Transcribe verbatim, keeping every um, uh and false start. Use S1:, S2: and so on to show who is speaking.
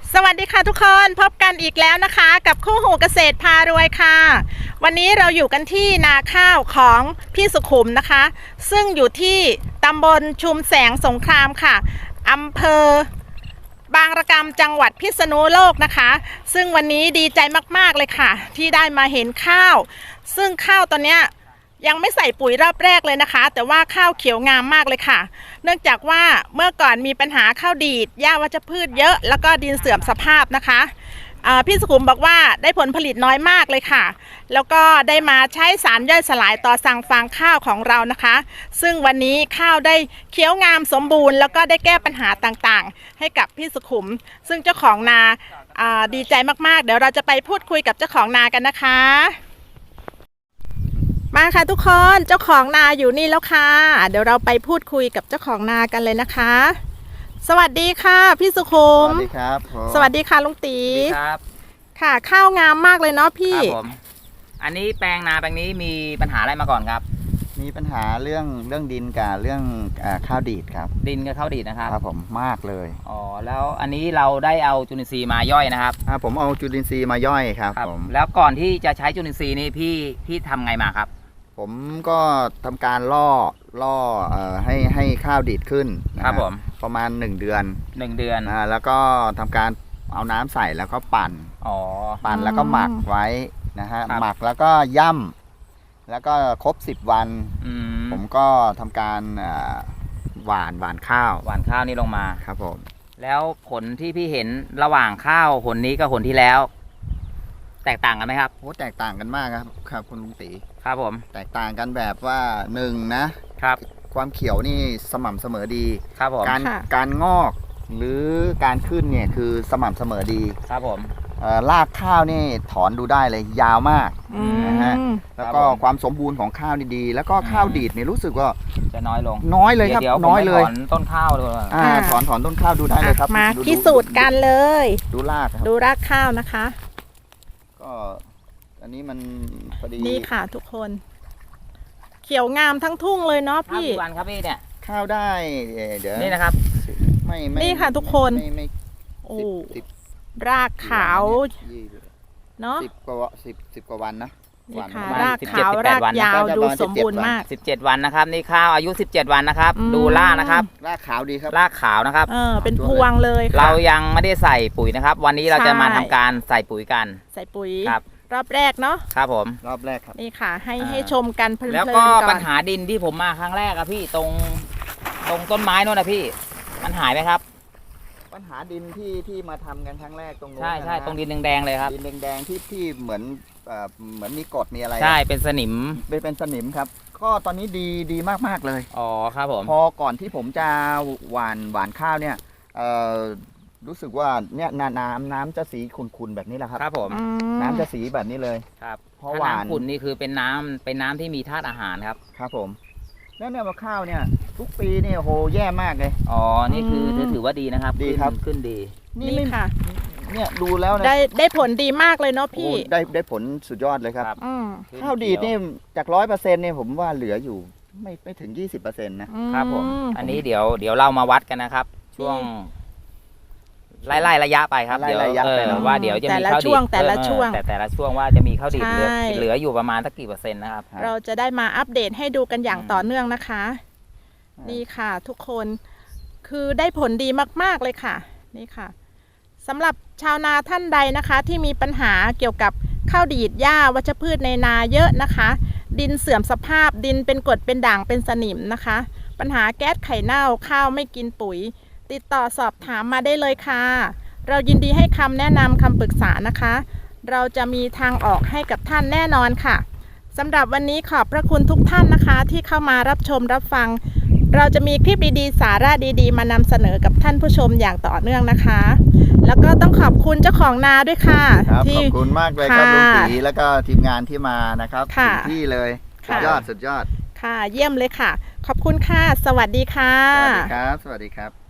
S1: สวัสดีค่ะทุกคนพบกันอีกแล้วนะคะกับคู่หูเกษตรพารวยค่ะวันนี้เราอยู่กันที่นาข้าวของพี่สุขุมนะคะซึ่งอยู่ที่ตำบลชุมแสงสงครามค่ะอำเภอบางระกำจังหวัดพิษณุโลกนะคะซึ่งวันนี้ดีใจมากๆเลยค่ะที่ได้มาเห็นข้าวซึ่งข้าวตอนเนี้ยยังไม่ใส่ปุ๋ยรอบแรกเลยนะคะแต่ว่าข้าวเขียวงามมากเลยค่ะเนื่องจากว่าเมื่อก่อนมีปัญหาข้าวดีดหญ้าวัชพืชเยอะแล้วก็ดินเสื่อมสภาพนะคะพี่สุขุมบอกว่าได้ผลผลิตน้อยมากเลยค่ะแล้วก็ได้มาใช้สารย่อยสลายต่อสั่งฟางข้าวของเรานะคะซึ่งวันนี้ข้าวได้เขียวงามสมบูรณ์แล้วก็ได้แก้ปัญหาต่างๆให้กับพี่สุขุมซึ่งเจ้าของนาดีใจมากๆเดี๋ยวเราจะไปพูดคุยกับเจ้าของนากันนะคะมาค่ะทุกคนเจ้าของนาอยู่นี่แล้วค่ะเดี๋ยวเราไปพูดคุยกับเจ้าของนากันเลยนะคะสวัสดีค่ะพี่สุขุม
S2: สวัสดีครับ
S1: สวัสดีค่ะลุงตี
S3: ครับ
S1: ค่ะข้าวงามมากเลยเนาะพี่
S3: ครับผมอันนี้แปลงนาแปลงนี้มีปัญหาอะไรมาก่อนครับ
S2: มีปัญหาเรื่องเรื่องดินกับเรื่องข้าวดีดครับ
S3: ดินกับข้าวดีดนะครับ
S2: ครับผมมากเลย
S3: อ๋อแล้วอันนี้เราได้เอาจุลินทรีย์มาย่อยนะครับ
S2: อ่าผมเอาจุลินทรีย์มาย่อยครับผม
S3: แล้วก่อนที่จะใช้จุลินทรีย์นี่พี่พี่ทำไงมาครับ
S2: ผมก็ทำการล่อล่อเอ่อให้ให้ข้าวดีดขึ้น
S3: ครับผม
S2: ประมาณหนึ่งเดือน
S3: หนึ่งเดือน
S2: อ่าแล้วก็ทำการเอาน้ำใส่แล้วก็ปั่น
S3: อ๋อ
S2: ปั่นแล้วก็หมักไว้นะฮะหมักแล้วก็ย่ำแล้วก็ครบสิบวันผมก็ทำการหว่านหว่านข้าว
S3: หว่านข้าวนี่ลงมา
S2: ครับผม
S3: แล้วผลที่พี่เห็นระหว่างข้าวผลนี้กับผลที่แล้วแตกต่างกันไหมครับ
S2: โอ้แตกต่างกันมากครับครับคุณลุงตี
S3: ครับผม
S2: แตกต่างกันแบบว่าหนึ่งนะครับความเขียวนี่สม่ำเสมอดี
S3: ครับผม
S2: การการงอกหรือการขึ้นเนี่ยคือสม่ำเสมอดี
S3: ครับผม
S2: รากข้าวนี่ถอนดูได้เลยยาวมากนะฮะแล้วก็ความสมบูรณ์ของข้าวนี่ดีแล้วก็ข้าวดีดเนี่ยรู้สึกว่า
S3: จะน้อยลง
S2: น้อยเลยครับน้อยเลย
S3: ถอนต้นข้าวเลย
S2: อ่าถอนถอนต้นข้าวดูได้เลยครับ
S1: มาพิสูจน์กันเลย
S2: ดูราก
S1: ดูรากข้าวนะคะ
S2: ก็อันนี้มันพอดี
S1: นี่ค่ะทุกคนเขียวงามทั้งทุ่งเลยเนาะพี่
S3: กี่วันครับพี่เนี่ย
S2: ข้าวได้เดี๋ยว
S3: นี่นะครับ
S2: ไม่
S1: นี่ค่ะทุกคนโอ้รากขาวเนาะ
S2: สิบกว่าสิบสิบกว่าวันนะ
S1: นี่ค่ะรากขาวรากยาวดูสมบูรณ์มาก
S3: สิบเจ็ดวันนะครับนี่ข้าวอายุสิบเจ็ดวันนะครับดูรากนะครับ
S2: รากขาวดีครับ
S3: รากขาวนะครับ
S1: เออเป็นพวงเลย
S3: เรายังไม่ได้ใส่ปุ๋ยนะครับวันนี้เราจะมาทำการใส่ปุ๋ยกัน
S1: ใส่ปุ๋ย
S3: ครับ
S1: รอบแรกเนาะ
S3: ครับผม
S2: รอบแรกครับ
S1: นี่ค่ะให้ให้ชมกันเพลินๆ
S3: แล้วก็ปัญหาดินที่ผมมาครั้งแรกอะพี่ตรงตรงต้นไม้โน่นนะพี่มันหายไหมครับ
S2: ปัญหาดินที่ที่มาทำกันครั้งแรกตรงนู้น
S3: ใช่ใช่ตรงดินแดงๆเลยครับ
S2: ดินแดงๆที่ที่เหมือนเหมือนมีกรดมีอะไร
S3: ใช่เป็นสนิม
S2: เป็นเป็นสนิมครับก็ตอนนี้ดีดีมากๆเลย
S3: อ๋อครับผม
S2: พอก่อนที่ผมจะหว่านหว่านข้าวเนี่ยรู้สึกว่าเนี่ยน้ำน้ำจะสีขุ่นๆแบบนี้แหละครับ
S3: ครับผม
S2: น้ำจะสีแบบนี้เลย
S3: ครับเพราะหวานขุ่นนี่คือเป็นน้ำเป็นน้ำที่มีธาตุอาหารครับ
S2: ครับผมแล้วเนี่ยข้าวเนี่ยทุกปีเนี่ยโหแย่มากเลย
S3: อ๋อนี่คือถือว่าดีนะครับ
S2: ดีครับ
S3: ขึ้นดี
S1: นี่ค่ะ
S2: เนี่ยดูแล้ว
S1: ได้ได้ผลดีมากเลยเนาะพี่
S2: ได้ได้ผลสุดยอดเลยครับข้าวดีดนี่จากร้อยเปอร์เซ็นต์เนี่ยผมว่าเหลืออยู่ไม่ไม่ถึงยี่สิบเปอร์เซ็นต์
S3: นะครับผมอันนี้เดี๋ยวเดี๋ยวเรามาวัดกันนะครับช่วงไล่ๆระยะไปครับเดี๋ยวว่าเดี๋ยวจะมีข้าวดี
S1: แต่ละช่วง
S3: แต่แต่ละช่วงว่าจะมีข้าวดีเหลือเหลืออยู่ประมาณสักกี่เปอร์เซ็นต์นะครับ
S1: เราจะได้มาอัปเดตให้ดูกันอย่างต่อเนื่องนะคะนี่ค่ะทุกคนคือได้ผลดีมากๆเลยค่ะนี่ค่ะสำหรับชาวนาท่านใดนะคะที่มีปัญหาเกี่ยวกับข้าวดีดหญ้าวัชพืชในนาเยอะนะคะดินเสื่อมสภาพดินเป็นกรดเป็นด่างเป็นสนิมนะคะปัญหาแก๊สไข่เน่าข้าวไม่กินปุ๋ยติดต่อสอบถามมาได้เลยค่ะเรายินดีให้คำแนะนำคำปรึกษานะคะเราจะมีทางออกให้กับท่านแน่นอนค่ะสำหรับวันนี้ขอบพระคุณทุกท่านนะคะที่เข้ามารับชมรับฟังเราจะมีคลิปดีๆสาระดีๆมานำเสนอกับท่านผู้ชมอย่างต่อเนื่องนะคะแล้วก็ต้องขอบคุณเจ้าของนาด้วยค่ะ
S2: ขอบคุณมากเลยครับลุงตีแล้วก็ทีมงานที่มานะครับถึงที่เลยสุดยอดสุดยอด
S1: ค่ะเยี่ยมเลยค่ะขอบคุณค่ะสวัสดีค่ะ
S2: สวัสดีครับสวัสดีครับ